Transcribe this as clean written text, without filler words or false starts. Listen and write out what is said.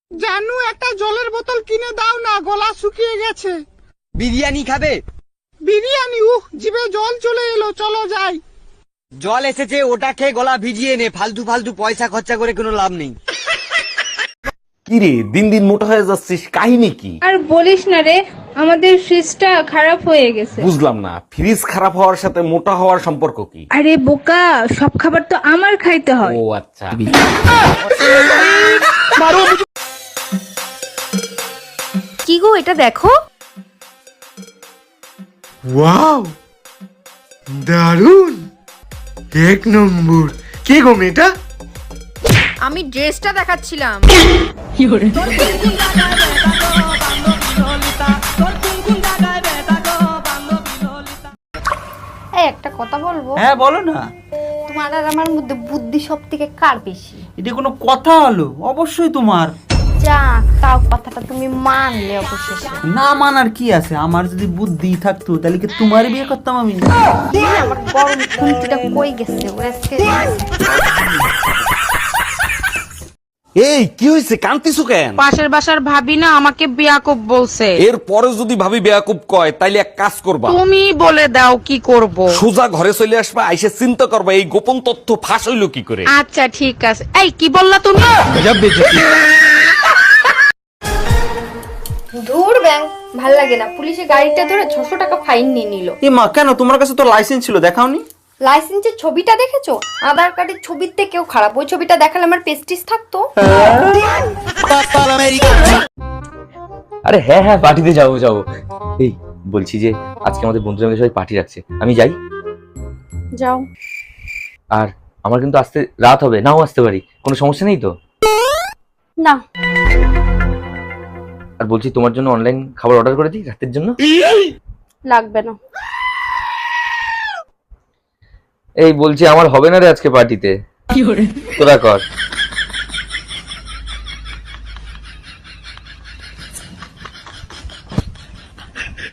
জানু একটা জলের বোতল কিনে দাও না, গলা শুকিয়ে গেছে। বিরিয়ানি খাবে? বিরিয়ানি? জিভে জল চলে এলো, চলো যাই। জল এসেছে, ওটা খেয়ে গলা ভিজিয়ে নে, ফালতু ফালতু পয়সা খরচা করে কোনো লাভ নেই। কিরে দিন দিন মোটা হয়ে যাচ্ছিস, কাহিনী কি? আর বলিস না রে, আমাদের ফ্রিজটা খারাপ হয়ে গেছে। বুঝলাম না, ফ্রিজ খারাপ হওয়ার সাথে মোটা হওয়ার সম্পর্ক কি? আরে বোকা, সব খাবার তো আমার খাইতে হয়। ও আচ্ছা। কি গো, এটা দেখো। ওয়াও, দারুন, এক নম্বর। কে গো মেয়েটা? আমি ড্রেসটা দেখাচ্ছিলাম। এই একটা কথা বলবো? হ্যাঁ বলো না। তোমার আর আমার মধ্যে বুদ্ধি সব থেকে কার বেশি? এটা কোনো কথা হলো? অবশ্যই তোমার। যা, তাও কথাটা তুমি মানলে অবশেষে। না মানার কি আছে, আমার যদি বুদ্ধি থাকতো তাহলে কি তোমার বিয়ে করতাম আমি? আমার গরম খুন্তিটা কই গেছে? ওরা আজকে এই কি হয়েছে, কান্তিছু কেন? পাশের বাসার ভাবি না আমাকে বিয়াকুব বলছে। এর পরে যদি ভাবি বেয়াকুব কয় তাইলে এক কাজ করবা, তুমি বলে দাও কি করব। সোজা ঘরে চলে আসবা, আইসে চিন্তা করবা এই গোপন তথ্য ফাঁস হইলো কি করে। আচ্ছা ঠিক আছে। এই কি বললা তুমি? দূর ব্যাং, ভাল লাগে না। পুলিশে গাড়িটা ধরে 600 টাকা ফাইন নিয়ে নিল। এ মা, কেন? তোমার কাছে তো লাইসেন্স ছিল, দেখাওনি? লাইসেন্সের ছবিটা দেখেছো? আধার কার্ডের ছবির থেকেও খারাপ। ওই ছবিটা দেখালে আমার পেস্টিস থাকতো। আরে হ্যাঁ হ্যাঁ, পার্টিতে যাবো যাবো। এই বলছি যে আজকে আমাদের বন্ধুরা মিলে সবাই পার্টি রাখছে, আমি যাই? যাও। আর আমার কিন্তু আসতে রাত হবে, নাও আসতে পারি, কোনো সমস্যা নেই তো? না। আর বলছি তোমার জন্য অনলাইন খাবার অর্ডার করে দিই রাতের জন্য? লাগবে না। এই বলছি আমার হবে না রে আজকে পার্টিতে, তোরা কর।